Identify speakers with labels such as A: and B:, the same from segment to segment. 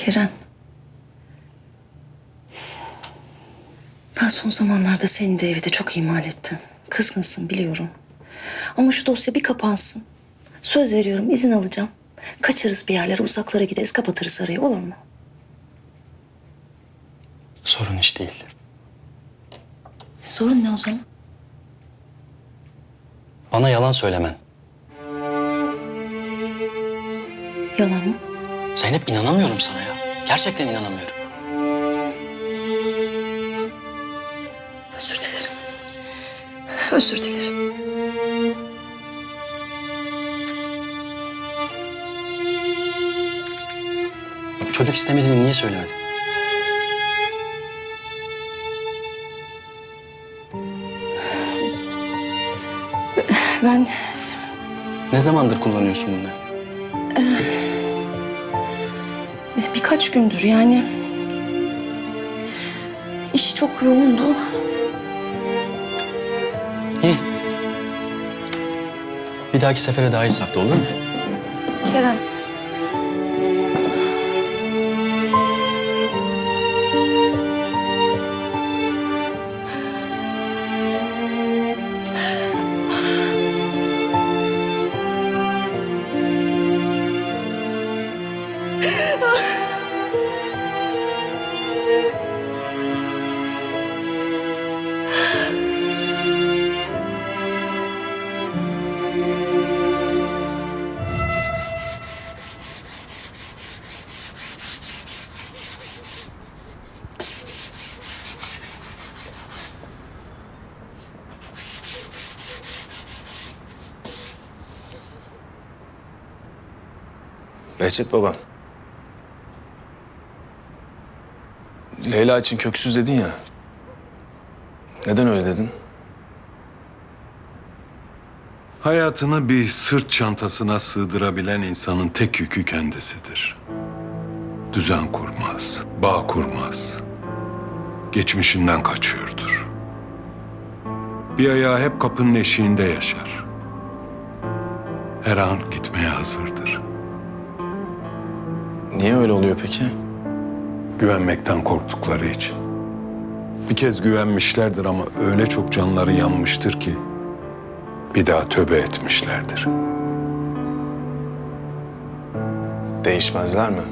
A: Kerem. Ben son zamanlarda seni de evi de çok ihmal ettim. Kızgınsın biliyorum. Ama şu dosya bir kapansın. Söz veriyorum izin alacağım. Kaçarız bir yerlere, uzaklara gideriz, kapatırız arayı, olur mu?
B: Sorun hiç değil.
A: Sorun ne o zaman?
B: Bana yalan söylemen.
A: Yalan mı?
B: Zeynep, inanamıyorum sana ya. Gerçekten inanamıyorum.
A: Özür dilerim. Özür dilerim.
B: Çocuk istemediğini niye söylemedin?
A: Ben
B: Ne zamandır kullanıyorsun bunları?
A: birkaç gündür yani... iş çok yoğundu.
B: İyi. Bir dahaki sefere daha iyi sakla, olur mu?
A: Kerem.
C: Behçet baba. Leyla için köksüz dedin ya. Neden öyle dedin?
D: Hayatını bir sırt çantasına sığdırabilen insanın tek yükü kendisidir. Düzen kurmaz, bağ kurmaz. Geçmişinden kaçıyordur. Bir ayağı hep kapının eşiğinde yaşar. Her an gitmeye hazırdır.
C: Niye öyle oluyor peki?
D: Güvenmekten korktukları için. Bir kez güvenmişlerdir ama öyle çok canları yanmıştır ki bir daha tövbe etmişlerdir.
C: Değişmezler mi?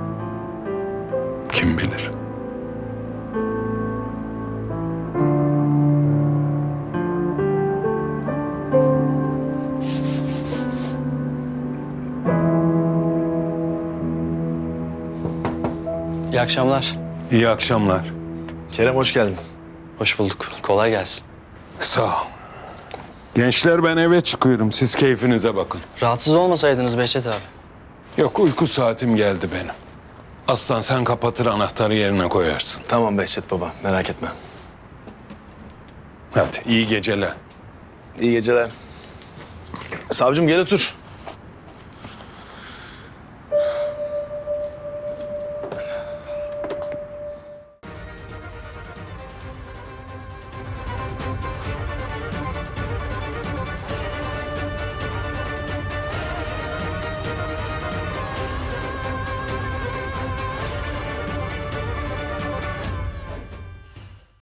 D: Kim bilir?
B: İyi akşamlar.
D: İyi akşamlar.
C: Kerem hoş geldin.
B: Hoş bulduk. Kolay gelsin.
D: Sağ ol. Gençler, ben eve çıkıyorum. Siz keyfinize bakın.
B: Rahatsız olmasaydınız Behçet abi.
D: Yok, uyku saatim geldi benim. Aslan, sen kapatır, anahtarı yerine koyarsın.
C: Tamam Behçet baba, merak etme.
D: Hadi iyi geceler.
C: İyi geceler. Savcım gel otur.